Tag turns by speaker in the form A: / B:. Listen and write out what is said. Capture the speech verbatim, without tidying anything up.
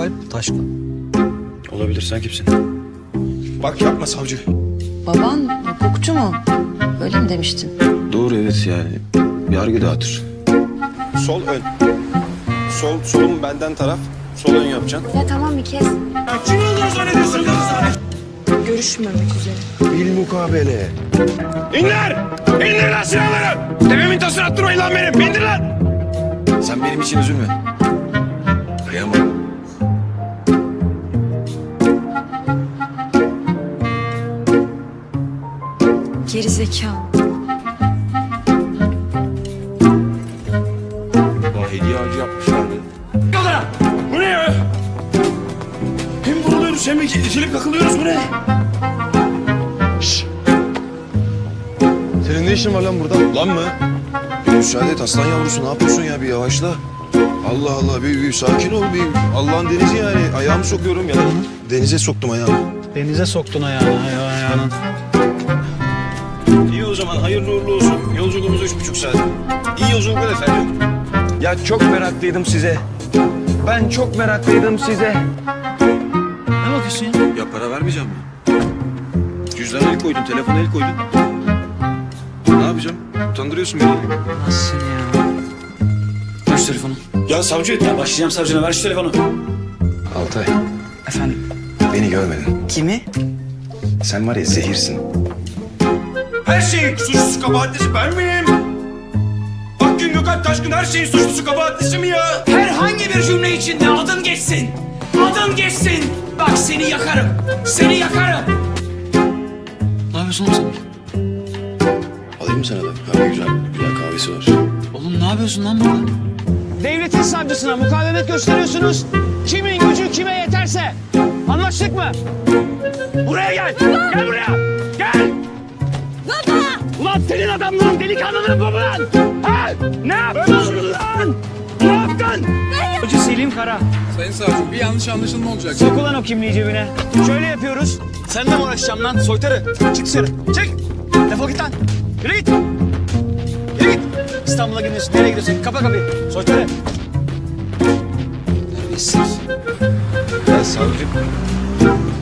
A: Gökalp Taşkın.
B: Olabilir, sen kimsin?
C: Bak yapma savcı.
D: Baban hukukçu mu? Öyle mi demiştin?
B: Doğru, evet yani. Yargı dağıtır.
C: Sol ön. Sol, solum benden taraf. Sol ön yapacaksın.
E: Ya tamam bir kez.
C: Kim olduğunu zannediyorsun kız?
E: Görüşmemek üzere.
C: Bil mukabele. İndir! İndir lan silahları! Tepemin tasını attırmayın lan benim! İndir lan!
B: Sen benim için üzülme. Kıyamam.
E: Geri zekalı.
C: Daha hediye ağacı yapmışlardı. Kadar! Bu ne ya? Hem vuruluyoruz hem itilip kakılıyoruz, bu ne? Şşş! Senin ne işin var lan burada? Lan mı? Bir müsaade et aslan yavrusu, ne yapıyorsun ya, bir yavaşla. Allah Allah, bir, bir sakin ol, bir Allah'ın denizi yani. Ayağımı sokuyorum ya. Denize soktum ayağımı.
A: Denize soktun ayağını, ayağını.
C: İyi o zaman, hayırlı uğurlu olsun. Yolculuğumuz üç buçuk saat. İyi yolculuklar efendim.
F: Ya çok meraklıydım size. Ben çok meraklıydım size.
A: Ne bakıyorsun ya?
B: Ya para vermeyeceğim mi? Cüzdana el koydun, telefona el koydun. Ne yapacağım? Utandırıyorsun beni.
A: Nasılsın ya? Ver şu telefonu.
C: Ya savcı,
A: Ya başlayacağım savcına, ver şu telefonu.
B: Altay,
A: Efendim?
B: beni görmedin.
A: Kimi?
B: Sen var ya zehirsin.
C: her şeyin suçlusu kabahatlisi ben miyim? Akgün Gökalp Taşkın her şeyin suçlusu kabahatlisi mi ya?
G: Herhangi bir cümle içinde adın geçsin. Adın geçsin. Bak seni yakarım. Seni yakarım.
A: Ne yapıyorsun oğlum sen?
B: Alayım mı sana da? Ha, güzel, güzel kahvesi var.
A: Oğlum ne yapıyorsun lan burada?
F: Devletin savcısına mukavemet gösteriyorsunuz. Kimin gücü kime yeterse. Anlaştık mı? Buraya gel. Gel buraya. Gel. Baba. Ulan senin adamlığın, delikanlılığın bu mu lan? Ha? Ne yaptın lan? Ne yaptın? Hoca Selim Kara.
H: Sayın savcım bir yanlış anlaşılma olacak.
F: Sok ulan o kimliği cebine. Şöyle yapıyoruz. Seninle mi uğraşacağım lan soytarı? Çık dışarı. Çık. Defol git lan. Yürü git. Yürü git. İstanbul'a gidiyorsun. Nereye gidiyorsun? Kapa kapıyı. Soytarı.
B: Terbiyesiz. Ya savcı,